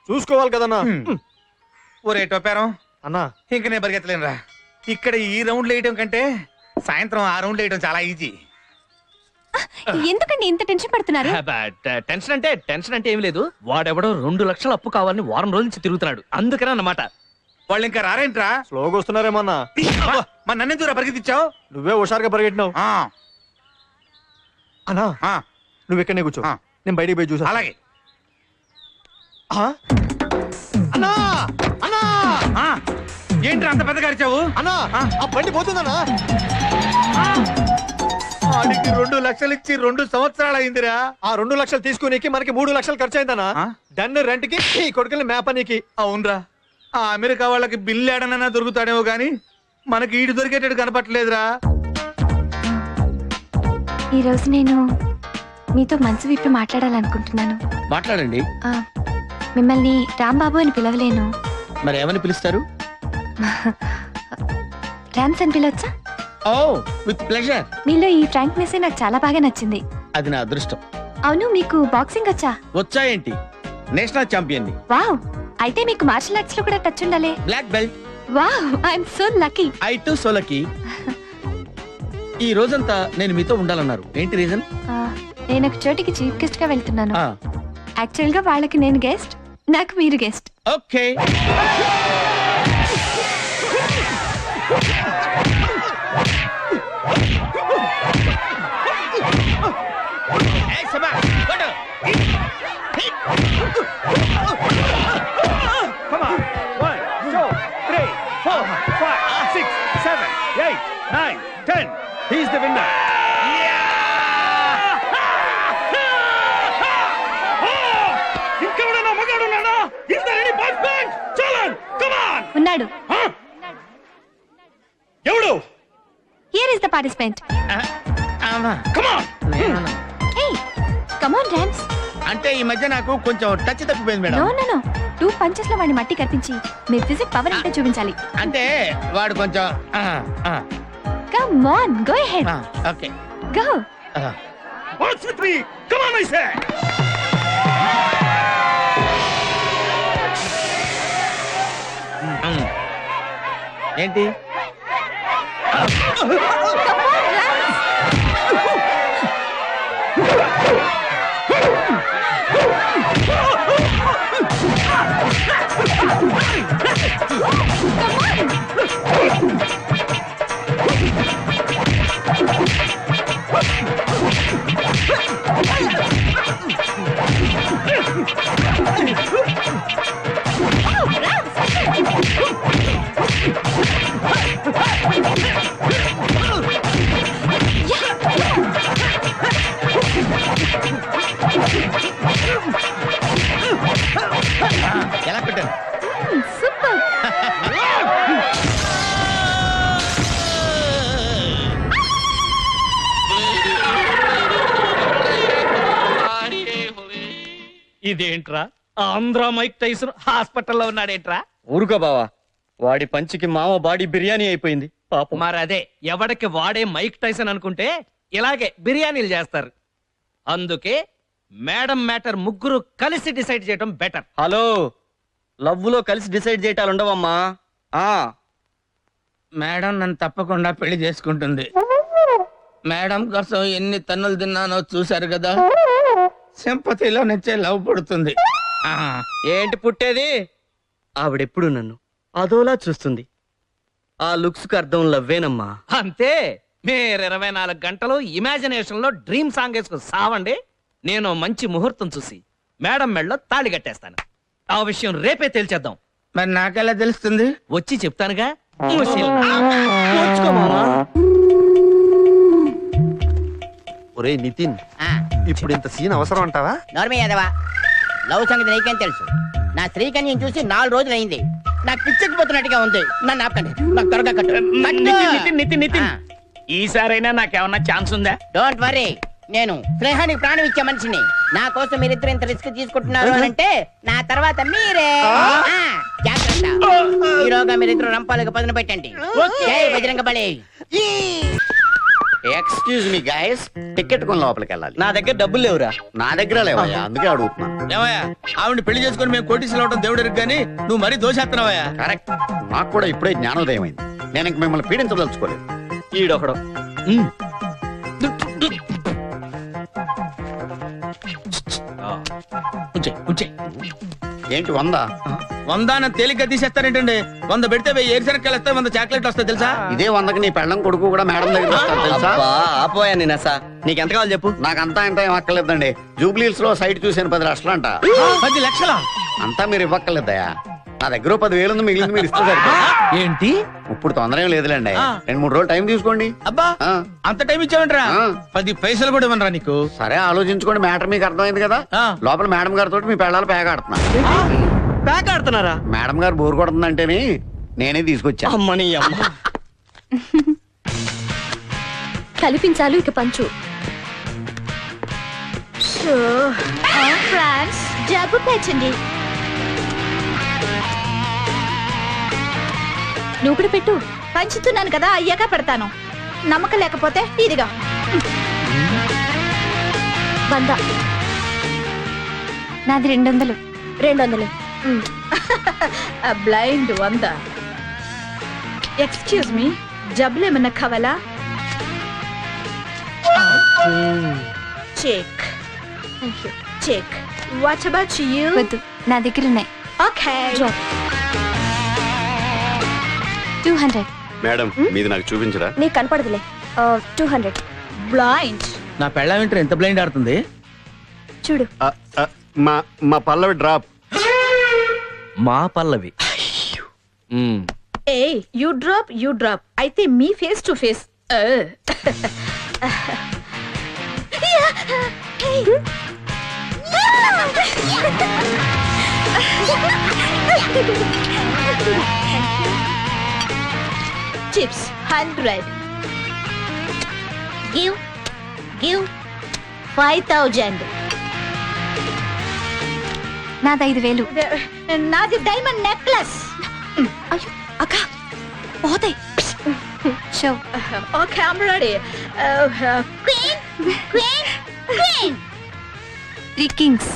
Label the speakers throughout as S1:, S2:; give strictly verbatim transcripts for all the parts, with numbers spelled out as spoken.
S1: చూసుకోవాలి కదన్నా.
S2: ఒరే టోపారం
S1: అన్నా
S2: ఇంక నేను పరిగెత్తలేనురా. ఇక్కడ ఈ రౌండ్లు వేయడం కంటే సాయంత్రం ఆ రౌండ్లు వేయడం చాలా ఈజీ.
S3: ఎందుకండి ఇంత టెన్షన్ పడుతున్నారు?
S4: టెన్షన్ అంటే టెన్షన్ అంటే ఏం లేదు. వాడెవడో రెండు లక్షల అప్పు కావాలని వారం రోజుల నుంచి తిరుగుతున్నాడు, అందుకనే అన్నమాట.
S2: వాళ్ళు ఇంకా రారేంట్రా?
S1: స్లోగా వస్తున్నారేమన్నా.
S2: మరి నన్ను దూరా పరిగెత్తిచ్చావు?
S1: నువ్వే హుషారుగా పరిగెట్టినావు. అన్నా నువ్వు ఇక్కడనే కూర్చో, నేను బయటికి పోయి చూసా.
S2: అలాగే.
S1: అన్నా అన్నా
S2: ఏంట్రా అంత పెద్దగా అరిచావు?
S1: అన్నా ఆ బండి పోతుందన్నా.
S2: వాడికి రెండు లక్షలు ఇచ్చి రెండు సంవత్సరాలు అయిందిరా.
S1: ఆ రెండు లక్షలు తీసుకునేకి మనకి మూడు లక్షలు ఖర్చు అయిందన్నా. డన్ రెంట్ కి ఈ కొడుకుని మేపనీకి.
S2: అవునరా, ఆ అమెరికా వాళ్ళకి బిల్లు ఏడనైనా దొరుకుతాడేమో గాని మనకి ఈడు దొరికేటట్టు కనపట్లేదురా.
S3: ఈ రోజు నేను మీతో మనసు విప్పి మాట్లాడాలనుకుంటున్నాను.
S5: మాట్లాడండి.
S3: ఆ, మిమ్మల్ని రాంబాబు అని పిలవలేను.
S5: మరి ఏమని పిలుస్తారు?
S3: రామ్స్ అని పిలవచ్చా?
S5: ఓ విత్ ప్లెజర్.
S3: మీలో ఈ ఫ్రాంక్నెస్ నాకు చాలా బాగా నచ్చింది.
S5: అది నా అదృష్టం.
S3: అవును, మీకు బాక్సింగ్ వచ్చా?
S5: వచ్చా ఏంటి, నేషనల్ ఛాంపియన్ ని.
S3: వావ్, అయితే మీకు మార్షల్ ఆర్ట్స్ లో కూడా టచ్ ఉండాలి.
S5: Black belt.
S3: Wow, I'm so lucky.
S5: I too so lucky. ఈ రోజంతా నేను మీతో ఉండాలన్నారు, ఏంటి రీజన్?
S3: నేను ఒక చోటికి చీఫ్ గెస్ట్ గా వెళ్తున్నాను. యాక్చువల్ గా వాళ్ళకి నేను గెస్ట్, నాకు మీరు guest.
S5: Okay.
S2: He's the winner.
S3: ఉన్నాడు.
S2: ఎవడు?
S3: Here is the participant.
S2: Come on.
S3: Hey, come on, Rams.
S5: అంటే ఈ మధ్య నాకు కొంచెం టచ్ తప్పిపోయింది madam.
S3: No, no, no. Two punches లో వాడిని మట్టి కనిపించి మీ ఫిజిక్ పవర్ అంటే చూపించాలి.
S5: అంటే వాడు కొంచెం
S3: Come on, go ahead.
S5: Okay
S3: Go.
S2: What's with me? Come on, I say.
S5: ఏంటి? ఎలా పెట్టాను?
S3: సూపర్.
S4: ఇదేంట్రా, ఆంధ్ర మైక్ టైసన్ హాస్పిటల్లో ఉన్నాడేంట్రా?
S5: ఊరుకో బావా, వాడి పంచికి మామ బాడీ బిర్యానీ అయిపోయింది పాపం.
S4: మరి అదే, ఎవడికి వాడే మైక్ టైసన్ అనుకుంటే ఇలాగే బిర్యానీలు చేస్తారు. అందుకే మేడం మ్యాటర్ ముగ్గురు కలిసి డిసైడ్ చేయడం బెటర్.
S5: హలో, లవ్ లో కలిసి డిసైడ్ చేయటాలు ఉండవమ్మా. ఆ మేడం నన్ను తప్పకుండా పెళ్లి చేసుకుంటుంది. మేడం కోసం ఎన్ని తన్నులు తిన్నానో చూశారు కదా. సింపతిలో నుంచే లవ్ పుడుతుంది. ఏంటి పుట్టేది? ఆవిడెప్పుడు నన్ను అదోలా చూస్తుంది. ఆ లుక్స్ కు అర్థం లవ్వేనమ్మా.
S4: అంతే, మీరు ఇరవై నాలుగు గంటలు ఇమాజినేషన్ లో డ్రీమ్ సాంగ్ వేసుకుని సావండి. నేను మంచి ముహూర్తం చూసి మేడం మెడలో తాళి కట్టేస్తాను. ఆ విషయం రేపే తేల్చేద్దాం.
S5: మరి నాకెలా తెలుస్తుంది?
S4: వచ్చి చెప్తానుగా.
S1: ఒరే నితిన్, ఇప్పుడు ఇంత సీన్ అవసరం అంటావా?
S6: నోర్మే యాదవా, లవ్ సంగతి నీకేం తెలుసు? నా స్త్రీకన్యం చూసి నాలుగు రోజులు అయింది. నాకు పిచ్చెక్కిపోతున్నట్టుగా ఉంది. నన్ను ఆపండి, నాకు త్వరగా కట్టు.
S4: నితిన్ నితిన్ నితిన్ ఈసారైనా నాకేమన్నా ఛాన్స్ ఉందా?
S6: డోంట్ వరీ, నేను స్నేహానికి ప్రాణం ఇచ్చే మనిషిని. నా కోసం మీరిద్దరు ఇంత రిస్క్ తీసుకుంటున్నారు అని అంటే నా తర్వాత మీరే. ఆ, జాగ్రత్త. ఈరోగా మీరిద్దరు రంపాలకు పదును పెట్టండి. జై బజరంగ బలి.
S7: ఎక్స్క్యూజ్ మీ గైస్ టికెట్ కొని లోపలికి వెళ్ళాలి.
S5: నా దగ్గర డబ్బులు లేవురా.
S7: నా దగ్గర లేవయ్యా, అందుకే అడుగుతున్నా.
S5: ఏమయ్యా ఆవిడ పెళ్లి చేసుకుని మేము కోటీసులు అవడం దేవుడు కానీ నువ్వు మరీ దోషేస్తున్నావయ్యా.
S7: కరెక్ట్, నాకు కూడా ఇప్పుడే జ్ఞానోదయం అయింది. నేను ఇంక మిమ్మల్ని పీడించదలుచుకోలేదు.
S5: ఈడొకడు
S7: ఏంటి వంద?
S5: వందాన తేలిగ్గా తీసేస్తారేంటండి? వంద పెడితే వెయ్యి ఏరిసెనక్కాయలు వస్తాయి, వంద చాక్లెట్లు వస్తాయి తెలుసా?
S7: ఇదే వందకి నీ పెళ్ళం కొడుకు కూడా మేడం దగ్గర వస్తారు తెలుసా?
S5: ఆపోయా నేను అసా నీకెంత కావాలి చెప్పు.
S7: నాకంతా ఇంత ఏం అక్కర్లేదండి. జూబ్లీహిల్స్ లో సైట్ చూసాను పది లక్షలు అంట.
S5: పది లక్షల
S7: అంతా మీరు ఇవ్వక్కర్లేదయా. నా దగ్గర పదివేలు ఉంది, మిగిలింది మీరు ఇస్తే సరిపోతుంది.
S5: ఏంటి
S7: ఇప్పుడు తొందర ఏం లేదులేండి, రెండు మూడు రోజులు టైం తీసుకోండి.
S5: అబ్బా
S7: ఆ.
S5: అంత టైం ఇచ్చావంటరా?
S7: ఆ.
S5: పది పైసలు కూడా ఇవ్వనరా నీకు?
S7: సరే ఆలోచించుకోండి, మ్యాటర్ మీకు అర్థమైంది కదా.
S5: ఆ.
S7: లోపల మేడం గారితో మీ పెళ్ళాలు పేగ ఆడుతున్నా.
S1: ప్యాక్ ఆడుతున్నారా?
S7: మేడం గారు బోర్ కొడుతుందంటేనే నేనే తీసుకొచ్చా.
S5: అమ్మని అమ్మ.
S3: కల్పించాలు ఇక పంచు. ఫ్రాన్స్ జబ్బు పేచండి. నువ్వు కూడా పెట్టు.
S8: పంచుతున్నాను కదా, అయ్యాక పెడతాను. నమ్మకం లేకపోతే ఇదిగా
S3: వంద. నాది రెండు వందలు. రెండు వందలు.
S8: బ్లైండ్ వంద. ఎక్స్క్యూజ్ మీ, జబ్బులు ఏమన్నా కావాలా? Check check. What about you?
S3: వద్దు, నా దగ్గర ఉన్నాయి.
S8: ఓకే.
S3: Two hundred.
S9: మేడం మీది నాకు చూపించరా?
S3: నీకు కనపడదులే. Two hundred.
S8: బ్లైండ్.
S5: నా పెళ్ళ వింటర్ ఎంత బ్లైండ్ ఆడుతుంది
S3: చూడు.
S9: ఆ, ఆ, మా మా పల్లవి డ్రాప్.
S4: మా పల్లవి. మ్మ్.
S8: ఏ యూ డ్రాప్ యూ డ్రాప్ అయితే మీ face to face. Chips hundred. Give give five thousand.
S3: నాది ఐదు వేలు.
S8: నాది డైమండ్ నెక్లెస్.
S3: అయ్యో అక్క పోతాయి. Show.
S8: Okay I'm ready. Queen queen queen.
S3: Three kings.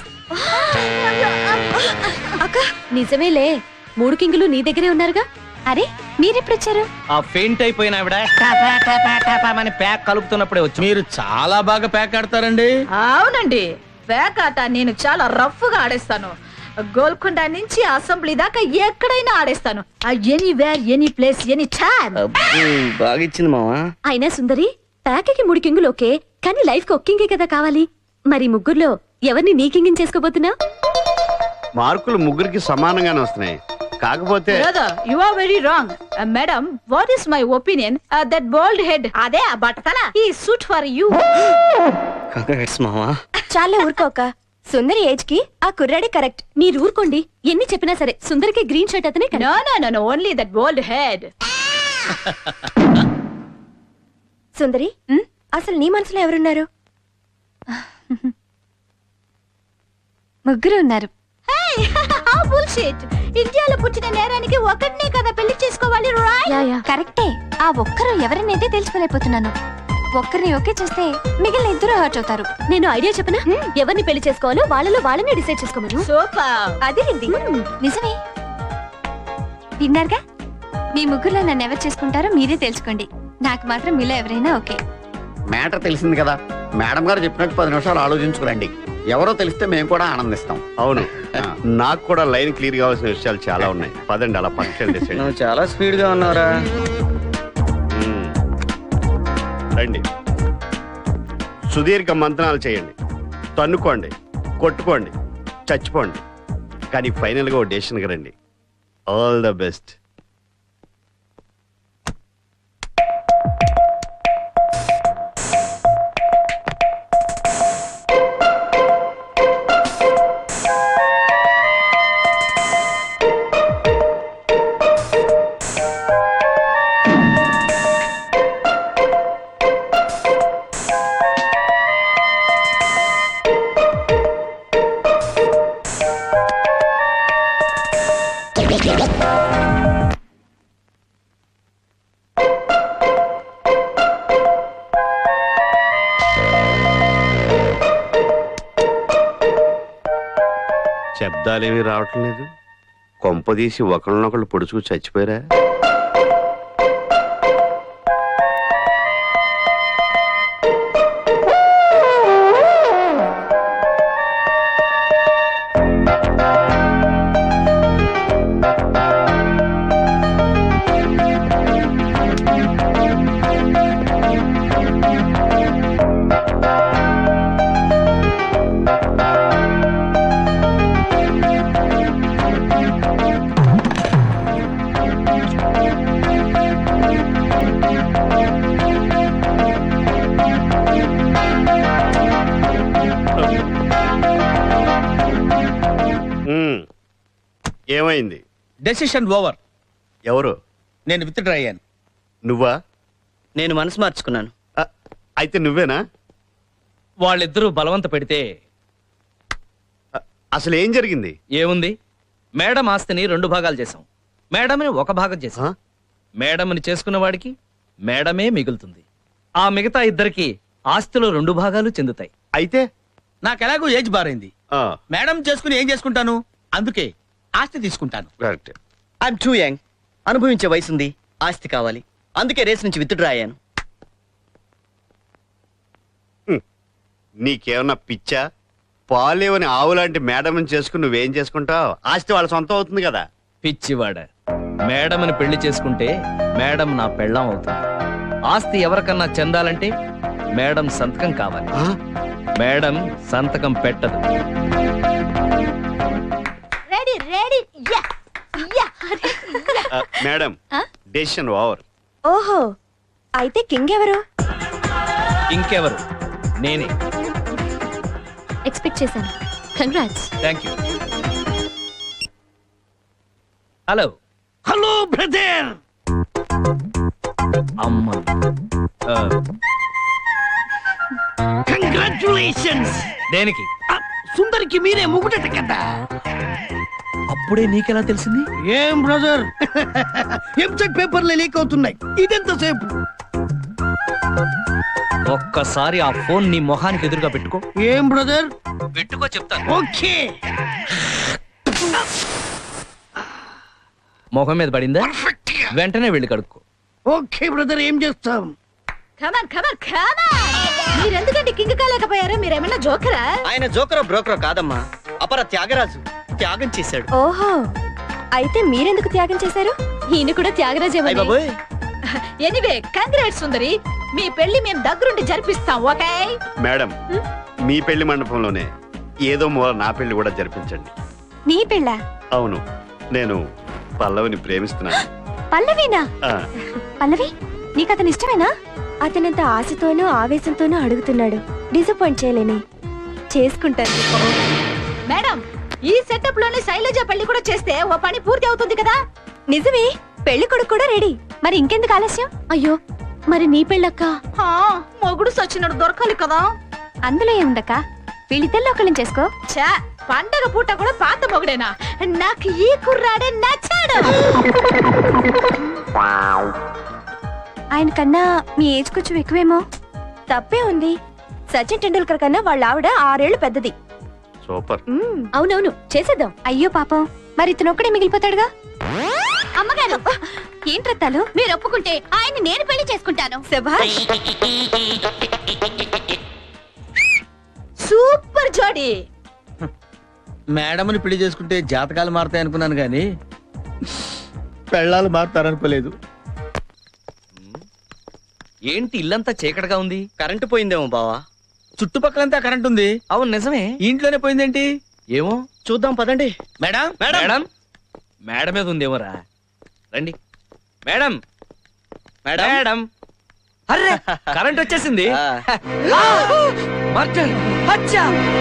S3: అక్క నిజమేలే, మూడు కింగులు నీ దగ్గరే ఉన్నారుగా. అరే మీరెప్పుడు వచ్చారు?
S4: ఆ ఫెయింట్ అయిపోయిన ఆవిడ టాపా టాపా టాపా అని ప్యాక్ కలుపుతున్నప్పుడే వచ్చి.
S5: మీరు చాలా బాగా ప్యాక్ ఆడతారండి.
S8: అవునండి, బ్యాక్ ఆట నేను చాలా రఫ్ గా ఆడేస్తాను. గోల్కొండ నుంచి అసెంబ్లీ దాకా ఎక్కడైనా ఆడేస్తాను. Anywhere any place any time.
S5: బాగా ఇచ్చింది మావా.
S3: అయినా సుందరి, ప్యాకకి మూడు కింగులు ఓకే, కానీ లైఫ్ కి ఒక్కింగే కదా కావాలి. మరి ముగ్గురులో ఎవరిని నీ కింగిని చేసుకోబోతున్నావు?
S9: మార్కులు ముగ్గురికి సమానంగానే వస్తున్నాయి. కాకపోతే
S8: brother you are very wrong. Madam what is my opinion that bold head అదే ఆ బట్టతల ఈ సూట్ ఫర్ యు.
S5: కంగ్రాట్స్ మావా.
S3: చాలే ఊరుకోక. సుందరి ఏజ్ కి ఆ కుర్రాడే కరెక్ట్. మీరు ఊరుకోండి. ఎన్ని చెప్పినా సరే సుందరికి గ్రీన్ షర్ట్ అతనే
S8: no no no no only that bold head.
S3: Sundari, అసలు నీ మనసులో ఎవరున్నారు? ముగ్గురు ఉన్నారు.
S8: ఇండియాలో పుట్టిన నేరానికి ఒకటినే కదా పెళ్లి చేసుకోవాలి.
S3: కరెక్టే. ఆ ఒక్కరు ఎవరినైతే తెలుసుకోలేకపోతున్నాను. ఒక్కరిని ఓకే చేస్తే మిగిలిన ఇద్దరు హర్ట్ అవుతారు. నేను ఐడియా చెప్పనా? ఎవరిని పెళ్లి చేసుకోవాలో వాళ్ళలో వాళ్ళని డిసైడ్ చేసుకోమను.
S8: సూపర్.
S3: అది నిజమే. విన్నారుగా, మీ ముగ్గురులో నన్ను ఎవరు చేసుకుంటారో మీరే తెలుసుకోండి. నాకు మాత్రం మీలో ఎవరైనా ఓకే.
S7: మ్యాటర్ తెలిసింది కదా, మేడం గారు చెప్పినట్టు పది నిమిషాలు ఆలోచించుకురండి. ఎవరో తెలిస్తే మేము కూడా ఆనందిస్తాం.
S9: అవును, నాకు కూడా లైన్ క్లియర్ కావాల్సిన విషయాలు చాలా ఉన్నాయి. పదండి అలా పక్కన డిసైడ్.
S5: నువ్వు చాలా స్పీడ్ గా ఉన్నావురా.
S9: రండి, సుదీర్ఘ మంత్రాలు చేయండి, తన్నుకోండి, కొట్టుకోండి, చచ్చిపోండి, కానీ ఫైనల్ గా ఓ డెసిషన్కి రండి. All the best. శబ్దాలేమీ రావటం లేదు. కొంపదీసి ఒకళ్ళనొకళ్ళు పొడుచుకు చచ్చిపోయారా? ఉమ్, ఏమైంది?
S5: Decision over.
S9: ఎవరు?
S5: నేను విత్ డ్రా అయ్యాను.
S9: నువ్వా?
S5: నేను మనసు మార్చుకున్నాను.
S9: ఆ, అయితే నువ్వేనా?
S4: వాళ్ళిద్దరూ బలవంత పెడితే
S9: ఆ, అసలు ఏం జరిగింది?
S4: ఏముంది, మేడం ఆస్తిని రెండు భాగాలు చేశాం, మేడంని ఒక భాగం చేశాం.
S9: ఆ?
S4: మేడంని చేసుకున్న వాడికి మేడమే మిగులుతుంది. ఆ మిగతా ఇద్దరికి ఆస్తిలో రెండు భాగాలు చెందుతాయి.
S9: అయితే
S5: నాకు ఎలాగో ఏజ్ బారైంది.
S9: ఆ,
S5: మేడం చేసుకుని ఏం చేసుకుంటాను, అందుకే ఆస్తి తీసుకుంటాను.
S9: కరెక్ట్.
S10: ఐఎమ్ టూ యంగ్, అనుభవించే వయసుంది, ఆస్తి కావాలి, అందుకే రేస్ నుంచి విత్ డ్రా అయ్యాను.
S9: నీకేమన్నా పిచ్చా? పాలేవని ఆవులాంటి మేడం చేసుకుని నువ్వేం చేసుకుంటావు? ఆస్తి వాళ్ళ సొంతం అవుతుంది కదా.
S4: పిచ్చివాడ, మేడంని పెళ్లి చేసుకుంటే మేడం నా పెళ్ళాం అవుతుంది. ఆస్తి ఎవరికన్నా చెందాలంటే మేడం సంతకం కావాలి.
S9: ఆ?
S4: మేడం సంతకం పెట్టదు.
S8: రెడీ రెడీ యా యా
S9: ఆ, మేడం
S3: ఆ?
S9: Decision over.
S3: ఓహో, అయితే కింగ్ ఎవరు?
S4: ఇంకెవరు, నేనే.
S3: ఎక్స్పెక్ట్ చేశాను. Congrats.
S4: Thank you. Hello
S5: hello brother.
S4: అమ్మ, ఆ,
S5: కంగ్రాచులేషన్స్.
S4: దేనికి?
S5: సుందరికి మీరే ముగుడట కదా.
S4: అప్పుడే నీకెలా తెలిసింది?
S5: ఏం బ్రదర్, ఎంసెట్ పేపర్లు లీక్ అవుతున్నాయి, ఇదెంతసేపు?
S4: ఒక్కసారి ఆ ఫోన్ నీ మొహానికి ఎదురుగా పెట్టుకో.
S5: ఏం బ్రదర్?
S4: పెట్టుకో చెప్తాను.
S5: ఓకే.
S4: మొహం మీద పడిందా? వెంటనే వెళ్ళి కడుక్కో.
S5: ఓకే బ్రదర్, ఏం చేస్తాం?
S8: Come on come on come on. మీరెందుకంటే కింగ్ కాలేకపోయారు? మీరేమన్నా జోకరా?
S10: ఆయన జోకరో బ్రోకరో కాదమ్మా, అపర త్యాగరాజు, త్యాగం చేశాడు.
S3: ఓహో, అయితే మీరెందుకు త్యాగం చేశారు? ఈయన కూడా త్యాగరాజే.
S10: అయ్ బాబోయ్.
S8: ఎనీవే కంగ్రాట్స్ సుందరి, మీ పెళ్లి మేము దగ్గరుండి జరిపిస్తాం. ఓకే
S9: మేడం, మీ పెళ్లి మండపంలోనే ఏదో మూల నా పెళ్లి కూడా జరిపించండి.
S3: నీ పెళ్ళా?
S9: అవును, నేను పల్లవిని ప్రేమిస్తున్నాను.
S3: పల్లవినా?
S9: ఆ,
S3: పల్లవి, నీకు అతను ఇష్టమేనా? అతనంత ఆశతోనూ ఆవేశంతోనూ అడుగుతున్నాడు. డిసప్పాయింట్ చేయలేని, చేసుకుంటాను.
S8: మేడం, ఈ సెటప్ లోనే శైలజ పెళ్లి కూడా చేస్తే ఓ పని పూర్తి అవుతుంది కదా.
S3: నిజమే, పెళ్లి కొడుకు కూడా రెడీ. మరి ఇంకెందుకు ఆలస్యం? అయ్యో, మరి నీ పెళ్ళక్క?
S8: హా, మొగుడు సచ్చినడు దొరకాలి కదా.
S3: అందులో ఏముందక్క, వీళ్ళిద్దరిలో ఒకళ్ళని చేసుకో.
S8: ఛా, పండగ పూట కూడా పాత మొగుడేనా? నాకు ఈ కుర్రాడే నచ్చాడు.
S3: ఆయన కన్నా మీ ఏజ్ కొంచెం ఎక్కువేమో. తప్పే ఉంది, సచిన్ టెండూల్కర్ కన్నా వాళ్ళ ఆవిడ ఆరేళ్లు పెద్దది.
S9: సూపర్.
S3: మ్మ్, అవునవును, చేసేద్దాం. అయ్యో పాపం, మరి ఇతనొక్కడే మిగిలిపోతాడుగా.
S8: అమ్మగారు,
S3: ఏంటి రత్తాలు?
S8: మీరు ఒప్పుకుంటే ఆయన నేను పెళ్లి చేసుకుంటాను.
S3: శభాష్.
S8: సూపర్ జోడి.
S5: మేడంని పెళ్లి చేసుకుంటే జాతకాలు మారుతాయి అనుకున్నాను కానీ పెళ్ళాలు మారుతారనుకోలేదు.
S4: ఏంటి ఇల్లంతా చీకటిగా ఉంది?
S10: కరెంటు పోయిందేమో బావా.
S5: చుట్టుపక్కలంతా కరెంట్ ఉంది.
S4: అవును నిజమే.
S5: ఇంట్లోనే పోయిందేంటి?
S4: ఏమో
S10: చూద్దాం పదండి.
S5: మేడం
S4: మేడం, మేడ మీద ఉందేమోరా. రండి మేడం.
S10: మేడం
S4: మేడం, అర్రే కరెంట్ వచ్చేసింది.
S10: ఆ.
S4: ఆ! మర్డర్! హత్య!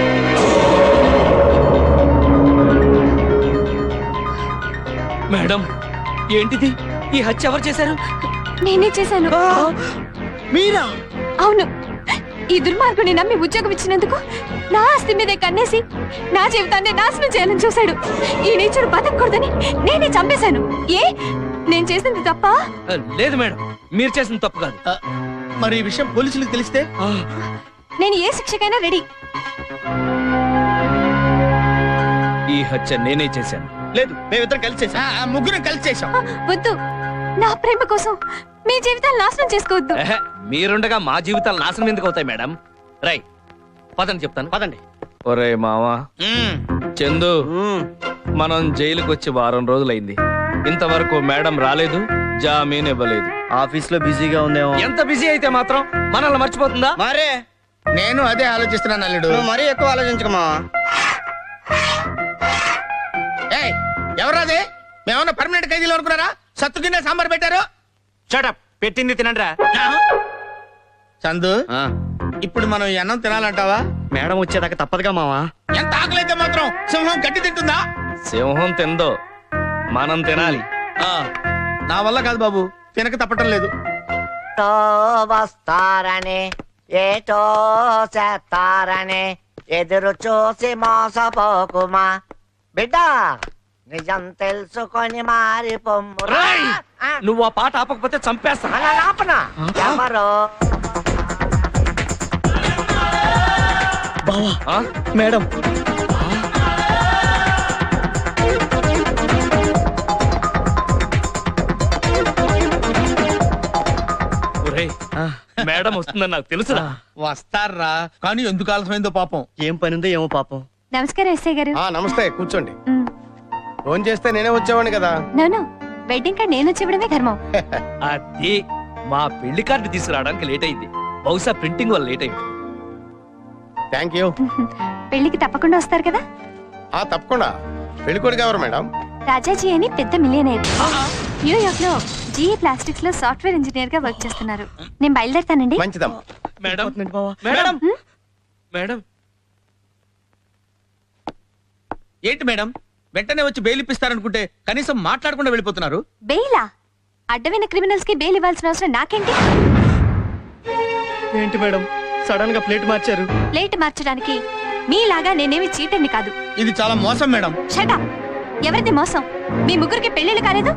S4: మేడం, ఏంటిది? ఈ హత్య ఎవరు చేశారు?
S3: నేనే చేశాను.
S5: మీరా?
S3: అవును, ఈ దుర్మార్గుని నమ్మి ఉద్యోగం ఇచ్చినందుకు నా ఆస్తి మీదే కన్నేసి నా జీవితాన్ని నాశనం చేయాలని చూశాడు. ఈ నేచర్ బతకూడదని నేనే చంపేశాను. ఏ, నేను చేసింది తప్ప?
S4: ఆ, లేదు మేడం, మీరు చేసిన తప్పు కాదు.
S5: ఆ, మరి ఈ విషయం పోలీసులకు తెలిస్తే?
S4: ఆ,
S3: నేను ఏ శిక్షకైనా రెడీ.
S4: ఈ ఈ హత్య నేనే చేశాను.
S10: లేదు మేమిద్దరం కలిసి చేసాం.
S5: ఆ, ఆ, ముగ్గురం కలిసి చేసాం.
S3: ఆ, వద్దు నా ప్రేమ కోసం మీ జీవితాలు నాశనం చేసుకోవద్దు.
S4: ఎహె, మీరుండగా మా జీవితాలు నాశనం ఎందుకు అవుతాయి మేడం? రై పదండి చెప్తాను.
S10: పదండి.
S4: ఒరే మావా
S5: మ్మ్.
S4: చందు,
S10: మ్మ్.
S4: మనం జైలుకి వచ్చి వారం రోజులైంది. ఇంతవరకు మేడం రాలేదు, జామీన్ ఇవ్వలేదు.
S10: ఆఫీస్ లో బిజీగా ఉందేమో.
S4: ఎంత బిజీ అయితే మాత్రం మనల్ని మర్చిపోతుందా?
S10: మరే
S5: నేను అదే ఆలోచిస్తున్నాను అల్లుడు.
S10: నువ్వు మరీ ఎక్కువ ఆలోచించకమా.
S5: ఏయ్, ఎవరాది? మేమన్నా పర్మనెంట్ ఖైదీలు అనుకున్నారా? సత్తు తినే సాంబార్ పెట్టారు.
S1: షటప్, పెట్టింది తినండ్రా.
S5: చందు,
S10: ఆ,
S5: ఇప్పుడు మనం ఈ అన్నం తినాలంటావా?
S10: మేడం వచ్చేదాకా తప్పదుగా మావా.
S5: ఎంత ఆకలైతే మాత్రం సింహం గట్టి తింటుందా?
S4: సింహం తిందో మనం తినాలి.
S5: ఆ, నా వల్ల కాదు బాబు, తినక తప్పటం లేదు.
S6: వస్తారని ఏటో చేస్తారని ఎదురు చూసి మోసపోకుమా బిడ్డ, నిజం తెలుసుకొని మారి పొమ్మురా.
S4: రేయ్! నువ్వు ఆ పాట ఆపకపోతే చంపేస్తా.
S6: అలా ఆపనా? ఎవరో
S10: బావా
S4: ఆ?
S10: మేడం.
S4: ఒరేయ్, మేడం వస్తుందని నాకు తెలుసురా.
S5: వస్తారా, కానీ ఎందుకు ఆలస్యమైందో పాపం.
S10: ఏం పని ఉందో ఏమో పాపం.
S3: నమస్కారం ఎస్ఐ గారు.
S1: ఆ నమస్తే, కూర్చోండి.
S3: మ్,
S1: ఫోన్ చేస్తే నేనే వచ్చేవాడిని కదా.
S3: నోను వెడ్డింగ్ కార్డ్ నేను వచ్చి ఇవ్వడమే ధర్మం.
S4: అది మా పెళ్లి కార్డు తీసుకురావడానికి లేట్ అయింది. బహుశా ప్రింటింగ్ వల్ల లేట్ అయింది.
S1: Thank you.
S3: పెళ్లికి తప్పకుండా వస్తారు కదా.
S1: ఆ తప్పకుండా. పెళ్ళికొడుకు ఎవరు మేడం?
S3: రాజాజీ అని పెద్ద మిలియనర్. న్యూయార్క్ లో జీఈ ప్లాస్టిక్స్ లో సాఫ్ట్వేర్ ఇంజనీర్ గా వర్క్ చేస్తున్నారు. నేను బయలుదేరుతానండి.
S1: మంచిదమ్మా.
S4: మేడం
S10: బావా.
S4: మేడం మేడం
S5: ఏంటి మేడం, వెంటనే వచ్చి బెయిల్ ఇప్పిస్తారనుకుంటే కనీసం మాట్లాడకుండా వెళ్ళిపోతున్నారు.
S3: బెయిలా? అడ్డమైన క్రిమినల్స్ కి బెయిల్ ఇవ్వాల్సిన అవసరం నాకేంటి?
S10: ఏంటి మేడం సడన్ గా ప్లేట్ మార్చారు?
S3: ప్లేట్ మార్చడానికి మీలాగా నేనేమి చీటర్ని కాదు.
S5: ఇది చాలా మోసం మేడం.
S3: షటప్. ఎవరిది మోసం? మీ ముగ్గురికి పెళ్లిళ్ళు కాలేదు?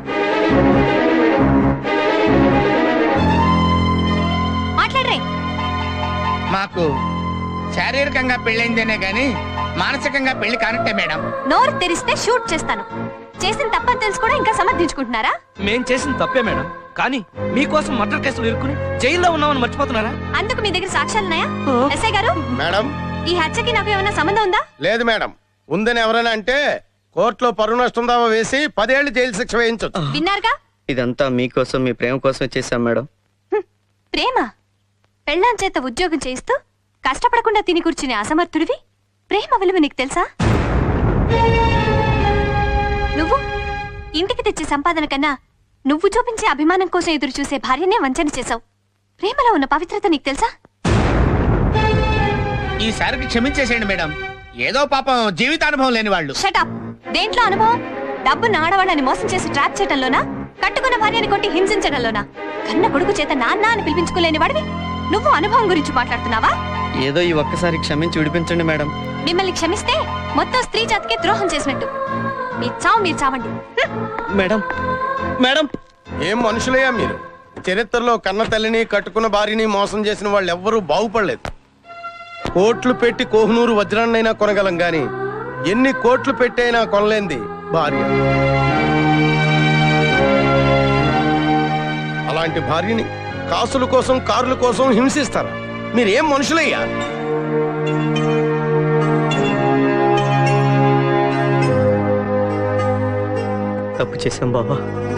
S3: మాట్లాడరే.
S5: మాకు శారీరకంగా పెళ్ళైందేనే గాని మానసికంగా పెళ్లి కానట్టే మేడం.
S3: నోరు తెరిస్తే షూట్ చేస్తాను. చేసిన తప్పని తెలుసు కూడా ఇంకా సమర్థించుకుంటున్నారా?
S4: మేం చేసిన తప్పే మేడం, కానీ మీకోసం మర్డర్ కేసులు ఇరుక్కుని జైల్లో ఉన్నామని మర్చిపోతున్నారా?
S3: అందుకు మీ దగ్గర సాక్ష్యాలున్నాయా? ఎస్ఐ గారు,
S1: మేడం
S3: ఈ హత్యకి నాకు ఏమైనా సంబంధం ఉందా?
S1: లేదు మేడం. ఉందని ఎవరైనా అంటే కోర్టులో పరువు నష్టం దావా వేసి పదేళ్లు జైలు శిక్ష వేయించొచ్చు.
S3: విన్నారుగా?
S10: ఇదంతా మీకోసం మీ ప్రేమ కోసం చేశాం మేడం.
S3: హ్మ్. ప్రేమ? పెళ్ళాం చేత ఉద్యోగం చేయిస్తూ కష్టపడకుండా తిని కూర్చునే అసమర్థుడివి ప్రేమ విలువ నీకు తెలుసా? నువ్వు ఇంటికి తెచ్చే సంపాదన కన్నా నువ్వు చూపించే అభిమానం కోసం ఎదురు చూసే భార్యనే వంచన చేశావు. ప్రేమలో ఉన్న పవిత్రత నీకు తెలుసా?
S5: ఈసారికి క్షమించేసేయండి మేడం. ఏదో పాపం జీవితానుభవం లేని వాళ్ళు.
S3: షటప్. దేంట్లో అనుభవం? డబ్బున్న ఆడవాళ్ళని మోసం చేసి ట్రాప్ చేయడంలోనా? కట్టుకున్న భార్యని కొట్టి హింసించడంలోనా? కన్న కొడుకు చేత నాన్న అని పిలిపించుకోలేని వాడివి నువ్వు అనుభవం గురించి మాట్లాడుతున్నావా?
S10: ఏదో ఈ ఒక్కసారి క్షమించి విడిపించండి మేడం.
S3: మిమ్మల్ని క్షమిస్తే మొత్తం స్త్రీ జాతికి ద్రోహం చేసినట్టు. మీ చావు మీరు చావండి. హ్మ్.
S10: మేడం మేడం
S1: ఏం మనుషులయ్యా మీరు? చరిత్రలో కన్న తల్లిని కట్టుకున్న భార్యని మోసం చేసిన వాళ్ళు ఎవ్వరూ బాగుపడలేదు. కోట్లు పెట్టి కోహినూరు వజ్రాన్నైనా కొనగలం గాని ఎన్ని కోట్లు పెట్టైనా కొనలేంది భార్య. అలాంటి భార్యని కాసుల కోసం కారుల కోసం హింసిస్తారా? మీరేం మనుషులయ్యా?
S10: తప్పు చేశాం బాబా.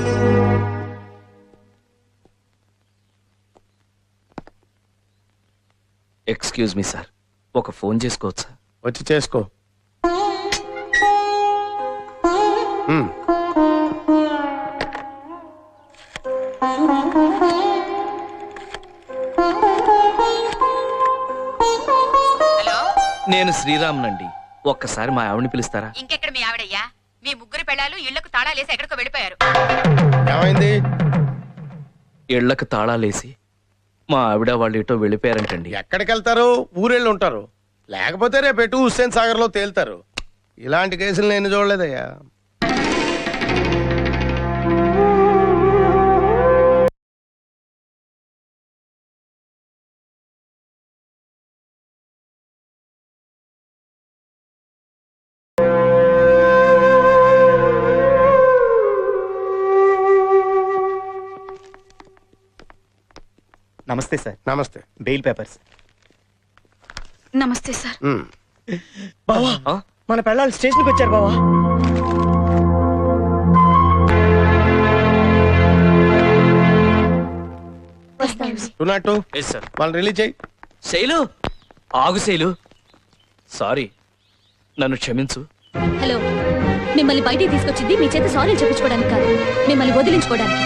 S4: ఎక్స్క్యూజ్ మీ సార్, ఒక ఫోన్ చేసుకోవచ్చా?
S1: వచ్చి చేసుకో. ఉమ్.
S4: నేను శ్రీరామ్నండి. ఒక్కసారి మా ఆవిడని పిలుస్తారా?
S11: ఇంకెక్కడ మీ ఆవిడయ్యా? మీ ముగ్గురు పెళ్ళాలు ఇళ్లకు తాళాలేసి ఎక్కడికో వెళ్ళిపోయారు.
S1: ఏమైంది?
S4: ఇళ్లకు తాళాలేసి మా ఆవిడ వాళ్ళు ఎటో వెళ్ళిపోయారంటండి.
S1: ఎక్కడికి వెళ్తారు? ఊరెళ్ళి ఉంటారు. లేకపోతే రేపు ఎటు హుస్సేన్ సాగర్ లో తేలుతారు. ఇలాంటి కేసులు నేను చూడలేదయ్యా.
S12: నమస్తే సార్.
S1: నమస్తే.
S12: Bail papers.
S8: నమస్తే సార్.
S1: ఉమ్.
S10: బావా మన పెళ్ళాలు స్టేషన్కి వచ్చారు బావా.
S1: టూ నాట్ టూ వాళ్ళని రిలీజ్ చేయి.
S4: శైలు ఆగు శైలు, సారీ, నన్ను క్షమించు.
S3: హలో, మిమ్మల్ని బయటికి తీసుకొచ్చింది మీ చేత సారీ చెప్పించుకోవడానికి కాదు, మిమ్మల్ని వదిలించుకోవడానికి.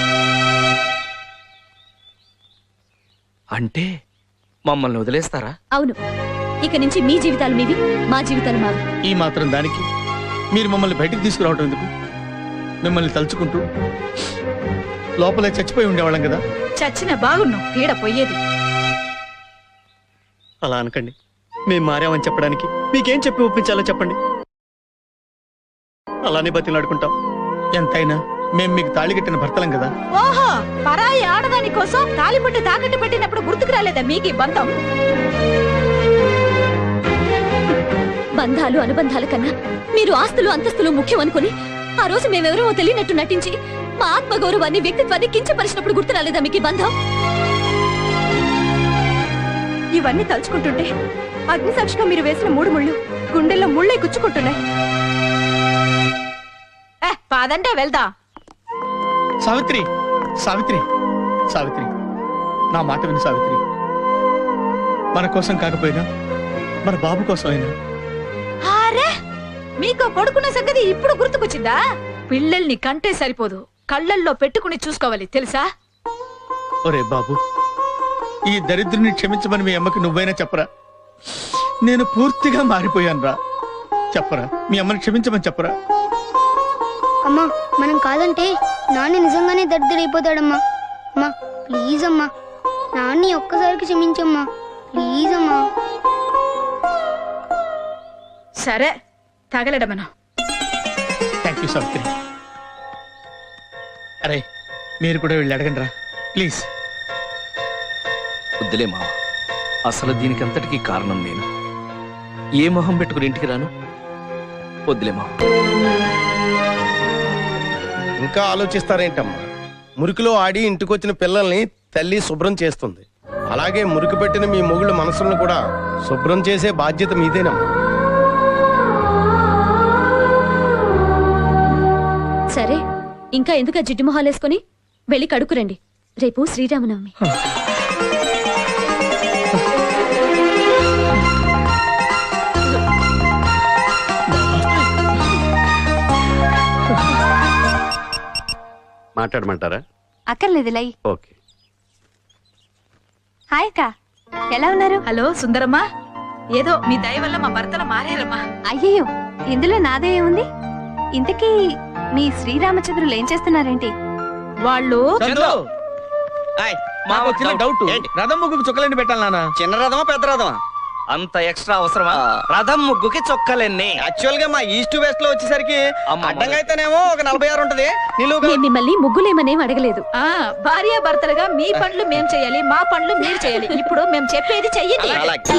S4: అంటే మమ్మల్ని వదిలేస్తారా?
S3: అవును, ఇక నుంచి మీ జీవితాలు మీవి, మా జీవితాలు మావి.
S2: ఈ మాత్రం దానికి మీరు మమ్మల్ని బయటికి తీసుకురావటం ఎందుకు? మిమ్మల్ని తలుచుకుంటూ లోపలే చచ్చిపోయి ఉండేవాళ్ళం కదా.
S8: చచ్చిన బాగున్నావు, పీడ పోయేది.
S10: అలా అనకండి, మేము మారామని చెప్పడానికి మీకేం చెప్పి ఒప్పించాలో చెప్పండి. అలానే బతిలాడుకుంటాం.
S2: ఎంతైనా మేము మీకు తాళి కట్టిన భర్తలం కదా.
S8: ఓహో, పరాయి ఆడదాని కోసం తాలిబుట్టు తాకట్టు పెట్టినప్పుడు గుర్తుకు రాలేదా మీకు ఈ బంధం?
S3: బంధాలు అనుబంధాల కన్నా మీరు ఆస్తులు అంతస్తులు ముఖ్యం అనుకుని ఆ రోజు మేమెవరో తెలియనట్టు నటించి మా ఆత్మగౌరవాన్ని వ్యక్తిత్వాన్ని కించపరిచినప్పుడు గుర్తు రాలేదా మీకు ఈ బంధం? ఇవన్నీ తలుచుకుంటుంటే అగ్నిసాక్షిగా మీరు వేసిన మూడు ముళ్ళు గుండెల్లో ముళ్ళే గుచ్చుకుంటున్నాయి.
S8: ఏ పాదంటే వెళ్దా.
S2: సావిత్రి, సావిత్రి, సావిత్రి, నా మాట విని సావిత్రి. మన కోసం కాకపోయినా మన బాబు కోసం అయినా.
S8: అరే, మీకు కొడుకున్న సంగతి ఇప్పుడు గుర్తుకొచ్చిందా? పిల్లల్ని కంటే సరిపోదు, కళ్ళల్లో పెట్టుకుని చూసుకోవాలి తెలుసా?
S2: ఒరే బాబు, ఈ దరిద్రుని క్షమించమని మీ అమ్మకి నువ్వైనా చెప్పరా? నేను పూర్తిగా మారిపోయాను రా. చెప్పరా, మీ అమ్మని క్షమించమని చెప్పరా?
S13: అమ్మా, మనం కాదంటే నాన్న నిజంగానే దరిద్రైపోతాడమ్మా. అమ్మా ప్లీజ్ అమ్మా, నాన్ని ఒక్కసారికి క్షమించమ్మా, ప్లీజ్ అమ్మా.
S8: సరే, తగలడమను.
S2: Thank you Savitri. అరే, మీరు కూడా వెళ్ళి అడగండి రా ప్లీజ్.
S4: వద్దులే మావ, అసలు దీనికి అంతటికీ కారణం నేను. ఏ మొహం పెట్టుకుని ఇంటికి రాను? వద్దులే మావ.
S1: ఇంకా ఆలోచిస్తారేంటమ్మా? మురికిలో ఆడి ఇంటికొచ్చిన పిల్లల్ని తల్లి శుభ్రం చేస్తుంది. అలాగే మురికి పెట్టిన మీ మొగుళ్ళ మనసులను కూడా శుభ్రం చేసే బాధ్యత మీదేనమ్మా.
S3: సరే, ఇంకా ఎందుకు జిడ్డు మొహాలేసుకొని వెళ్ళి కడుక్కురండి, రేపు శ్రీరామనవమి.
S9: మాట్లాడమంటారా?
S3: అక్కర్లేదు లై.
S9: ఓకే.
S3: హాయ్ అక్క, ఎలా ఉన్నారు?
S8: హలో సుందరమ్మా, ఏదో మీ దయ వల్ల మా భర్తలు మారారమ్మా.
S3: అయ్యయ్యో, ఇందులో నాదే ఏముంది? ఇంతకీ మీ శ్రీరామచంద్రులు ఏం చేస్తున్నారేంటి?
S8: వాళ్ళు
S5: మాకు చిన్న డౌట్, రథం ముగ్గుకు చుక్కలండి పెట్టాలి నాన్న.
S10: చిన్న రథమా పెద్ద రథమా?
S4: అంత ఎక్స్ట్రా అవసరమా? రథం ముగ్గుకి చొక్కలెన్ని?
S10: యాక్చువల్ గా మా ఈస్ట్ వెస్ట్ లో వచ్చేసరికి
S4: అమ్మ
S10: అడ్డంగా అయితేనేమో ఒక నలభై ఆరు ఉంటది. నిలువుగా
S3: నేను మిమ్మల్ని ముగ్గులేమనేం అడగలేదు.
S8: ఆ భార్య భర్తలుగా మీ పనులు మేం చేయాలి, మా పనులు మీరు చేయాలి. ఇప్పుడు మేము చెప్పేది చెయ్యండి.
S10: అలాగే.